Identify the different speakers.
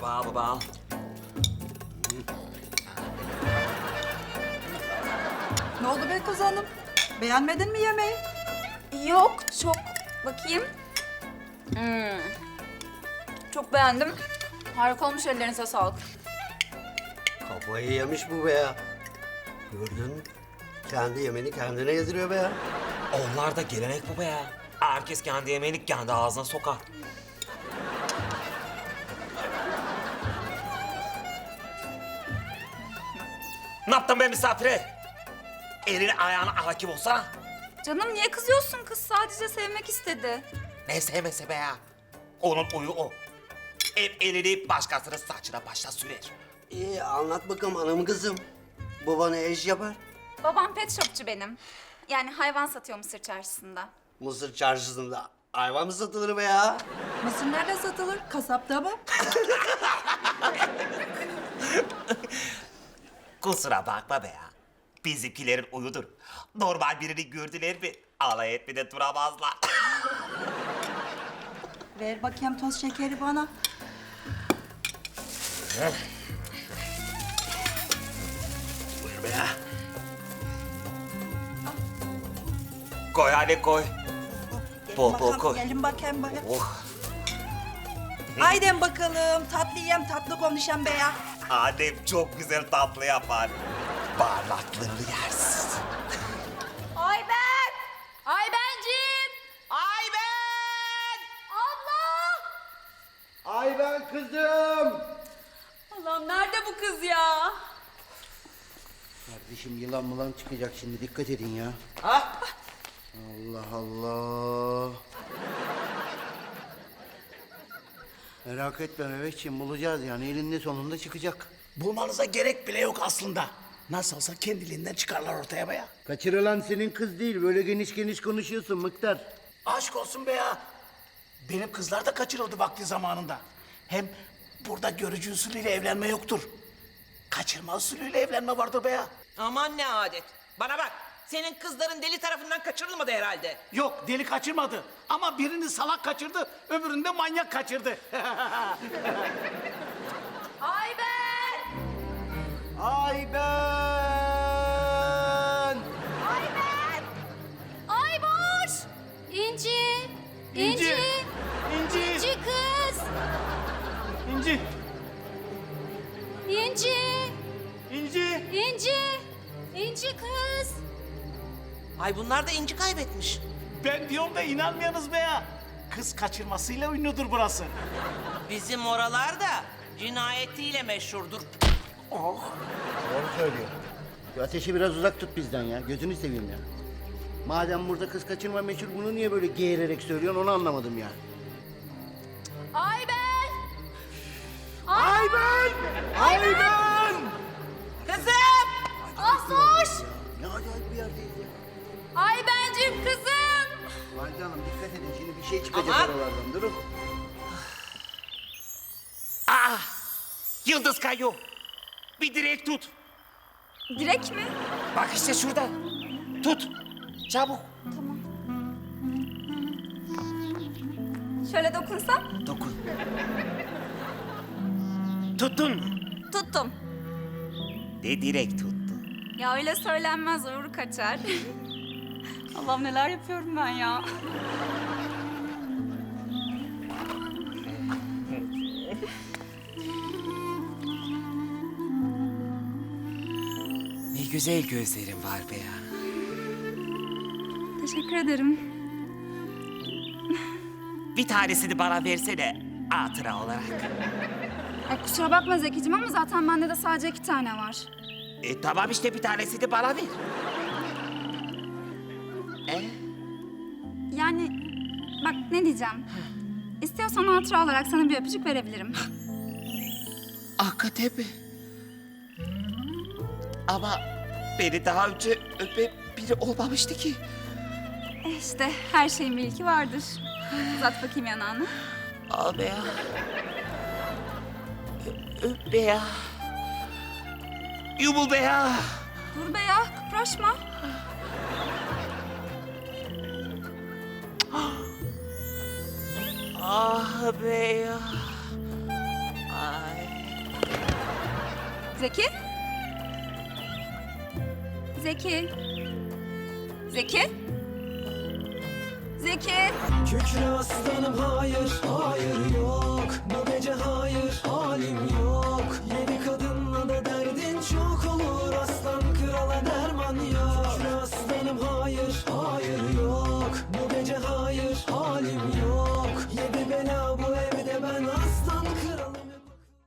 Speaker 1: babam.
Speaker 2: Ne oldu be kız hanım? Beğenmedin mi yemeği?
Speaker 3: Yok, çok. Bakayım. Çok beğendim. Harika olmuş, ellerinize sağlık.
Speaker 4: Kafayı yemiş bu be ya. Gördün mü? Kendi yemeğini kendine yediriyor be ya.
Speaker 1: Onlar da gelenek baba ya. Herkes kendi yemeğini kendi ağzına sokar. Ne yaptın be misafire? Elini ayağına hakim olsana.
Speaker 3: Canım niye kızıyorsun? Kız sadece sevmek istedi.
Speaker 1: Ne sevmese be ya. Onun uyu o. Hep elini başkasının saçına başına sürer.
Speaker 4: İyi anlat bakalım hanım kızım. Baba ne iş yapar?
Speaker 3: Babam pet shopçu benim. Yani hayvan satıyor Mısır çarşısında.
Speaker 4: Mısır çarşısında hayvan mı satılır be ya?
Speaker 2: Mısır nerede satılır? Kasapta mı?
Speaker 1: Kusura bakma be ya. Bizimkilerin uyudur. Normal birini gördüler mi alay etmeden duramazlar.
Speaker 2: Ver bakayım toz şekeri bana.
Speaker 4: Buyur be ya.
Speaker 1: Koy hadi koy.
Speaker 2: Gelin
Speaker 1: Bol bol
Speaker 2: bakalım,
Speaker 1: koy.
Speaker 2: Gelin bakayım bakayım.
Speaker 1: Oh.
Speaker 2: Haydi bakalım tatlı yiyem tatlı konuşayım be ya.
Speaker 1: Annem çok güzel tatlı yapar. Baharatlarını yersin.
Speaker 3: Ayben! Aybencim!
Speaker 1: Ayben!
Speaker 3: Abla!
Speaker 4: Ay ben kızım.
Speaker 3: Allah'ım nerede bu kız ya?
Speaker 5: Kardeşim yılan mılan çıkacak şimdi dikkat edin ya. Allah Allah. Merak etme Mehmetciğim bulacağız yani elinde sonunda çıkacak.
Speaker 6: Bulmanıza gerek bile yok aslında. Nasıl olsa kendiliğinden çıkarlar ortaya be ya.
Speaker 5: Kaçırılan senin kız değil böyle geniş geniş konuşuyorsun Mıktar.
Speaker 6: Aşk olsun be ya. Benim kızlar da kaçırıldı vakti zamanında. Hem burada görücü usulüyle evlenme yoktur. Kaçırma usulüyle evlenme vardır be ya.
Speaker 7: Aman ne adet. Bana bak, senin kızların deli tarafından kaçırılmadı herhalde.
Speaker 6: Yok deli kaçırmadı. Ama birini salak kaçırdı, öbürünü de manyak kaçırdı.
Speaker 3: Ayben!
Speaker 5: Ay ben.
Speaker 3: Ayben! Ayboş! İnci! İnci!
Speaker 6: İnci.
Speaker 3: İnci kız!
Speaker 6: İnci.
Speaker 3: İnci!
Speaker 6: İnci.
Speaker 3: İnci! İnci kız!
Speaker 7: Ay bunlar da inci kaybetmiş.
Speaker 6: Ben diyorum da inanmıyorsunuz be ya. Kız kaçırmasıyla ünlüdür burası.
Speaker 7: Bizim oralar da cinayetiyle meşhurdur.
Speaker 5: Doğru söylüyor. Şu ateşi biraz uzak tut bizden ya gözünü seveyim ya. Madem burada kız kaçırma meşhur bunu niye böyle geğirerek söylüyorsun onu anlamadım ya.
Speaker 3: Ayben!
Speaker 5: Ayben! Ayben!
Speaker 7: Kızım!
Speaker 3: Ahmoş!
Speaker 5: Ne acayip bir yerdeyiz ya.
Speaker 3: Aybencim kızım!
Speaker 5: Valide Hanım dikkat edin şimdi bir şey çıkacak
Speaker 7: Aman!
Speaker 5: oralardan durun.
Speaker 1: Ah! Yıldız kayıyor. Bir direk tut.
Speaker 3: Direk mi?
Speaker 1: Bak işte şurada. Tut. Çabuk.
Speaker 3: Şöyle dokunsam?
Speaker 1: Dokun. Tuttun mu?
Speaker 3: Tuttum.
Speaker 1: Ne direk tuttu?
Speaker 3: Ya öyle söylenmez, uğur kaçar. Allah'ım neler yapıyorum ben ya.
Speaker 1: Ne güzel gözlerin var be ya.
Speaker 3: Teşekkür ederim.
Speaker 1: Bir tanesini bana versene hatıra olarak.
Speaker 3: Ay kusura bakma Zekicim ama zaten bende de sadece 2 tane var.
Speaker 1: Tamam işte bir tanesini bana ver.
Speaker 3: Yani bak ne diyeceğim. İstiyorsan hatıra olarak sana bir öpücük verebilirim.
Speaker 1: Hakikaten mi? Ama beni daha önce öpen biri olmamıştı ki.
Speaker 3: İşte her şeyin bir ilki vardır. Uzat bakayım yanağını.
Speaker 1: Al be ya. Öp be ya. Yumul be ya.
Speaker 3: Dur be ya, kıpraşma.
Speaker 1: Ah be ya. Ay.
Speaker 3: Zeki? Zeki? Zeki? Zeki?
Speaker 8: Kükre aslanım hayır, hayır yok.